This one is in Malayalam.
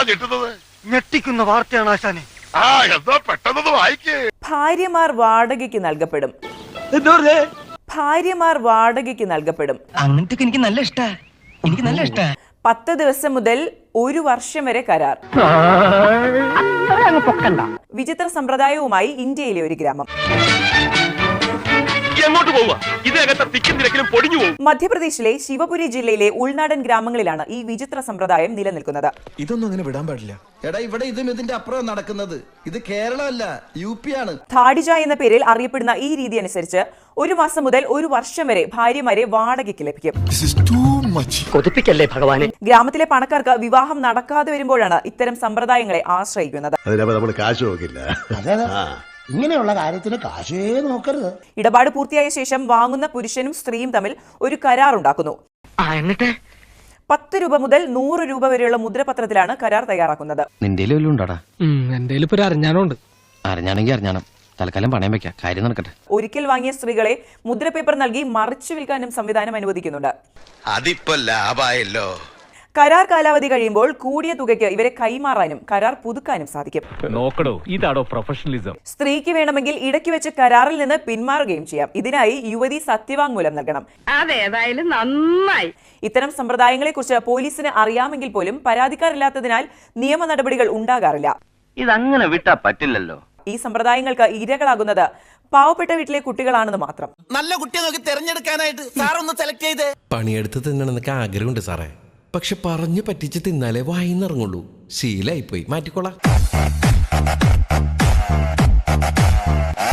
ഞെട്ടുന്നത്? ഞെട്ടിക്കുന്ന വാർത്തയാണ് ആശാനെ. ആ എന്താ പെട്ടെന്ന് വായിക്കേ. ഭാര്യമാർ വാടകയ്ക്ക് നൽകപ്പെടും. ഭാര്യമാർ വാടകയ്ക്ക് നൽകപ്പെടും. അങ്ങനത്തെ എനിക്ക് നല്ല ഇഷ്ടാ. എനിക്ക് നല്ല ഇഷ്ടാ. 10 ദിവസം മുതൽ 1 വർഷം വരെ കരാർ. വിചിത്ര സമ്പ്രദായവുമായി ഇന്ത്യയിലെ ഒരു ഗ്രാമം. മധ്യപ്രദേശിലെ ശിവപുരി ജില്ലയിലെ ഉൾനാടൻ ഗ്രാമങ്ങളിലാണ് ഈ വിചിത്ര സമ്പ്രദായം നിലനിൽക്കുന്നത്. ഇതൊന്നും അങ്ങനെ വിടാൻ പാടില്ല. എടാ ഇവിടെ ഇതും ഇതിന്റെ അപ്പുറം നടക്കുന്നത്. ഇത് കേരളമല്ല, UP ആണ്. ധാഡിജ എന്ന പേരിൽ അറിയപ്പെടുന്ന ഈ രീതി അനുസരിച്ച് 1 മാസം മുതൽ 1 വർഷം വരെ ഭാര്യമാരെ വാടകയ്ക്ക് ലഭിക്കും. കൊതിപ്പിക്കല്ലേ ഭഗവാനെ. ഗ്രാമത്തിലെ പണക്കാർക്ക് വിവാഹം നടക്കാതെ വരുമ്പോഴാണ് ഇത്തരം സമ്പ്രദായങ്ങളെ ആശ്രയിക്കുന്നത്. ഇങ്ങനെയുള്ള കാര്യത്തിന് കാശേ നോക്കരുത്. ഇടപാട് പൂർത്തിയായ ശേഷം വാങ്ങുന്ന പുരുഷനും സ്ത്രീയും തമ്മിൽ ഒരു കരാർ ഉണ്ടാക്കുന്നു. 10 രൂപ മുതൽ 100 രൂപ വരെയുള്ള മുദ്രപത്രത്തിലാണ് കരാർ തയ്യാറാക്കുന്നത്. ഒരിക്കൽ വാങ്ങിയ സ്ത്രീകളെ മുദ്രപേപ്പർ നൽകി മറിച്ചു വിൽക്കാനും സംവിധാനം അനുവദിക്കുന്നുണ്ട്. അതിപ്പോ ലാഭായല്ലോ. കരാർ കാലാവധി കഴിയുമ്പോൾ കൂടിയ തുകയ്ക്ക് ഇവരെ കൈമാറാനും കരാർ പുതുക്കാനും സാധിക്കും. ഇതാണോ പ്രൊഫഷണലിസം? സ്ത്രീക്ക് വേണമെങ്കിൽ ഇടയ്ക്ക് വെച്ച് കരാറിൽ നിന്ന് പിന്മാറുകയും ചെയ്യാം. ഇതിനായി യുവതി സത്യവാങ്മൂലം നൽകണം. അതേതായാലും നന്നായി. ഇത്തരം സമ്പ്രദായങ്ങളെ കുറിച്ച് പോലീസിന് അറിയാമെങ്കിൽ പോലും പരാതിക്കാരില്ലാത്തതിനാൽ നിയമ നടപടികൾ ഉണ്ടാകാറില്ല. ഇതങ്ങനെ വിട്ടാ പറ്റില്ലല്ലോ. ഈ സമ്പ്രദായങ്ങൾക്ക് ഇരകളാകുന്നത് പാവപ്പെട്ട വീട്ടിലെ കുട്ടികളാണെന്ന് മാത്രം. നല്ല കുട്ടിയെ നോക്കി തെരഞ്ഞെടുക്കാനായിട്ട് സാറൊന്ന് സെലക്ട് ചെയ്തേ. പണിയെടുത്ത് തിന്നണമെന്നൊക്കെ ആഗ്രഹമുണ്ട് സാറേ. പക്ഷെ പറഞ്ഞു പറ്റിച്ച് തിന്നാലേ വായിന്നിറങ്ങുള്ളൂ. ശീലായിപ്പോയി, മാറ്റിക്കോളാം.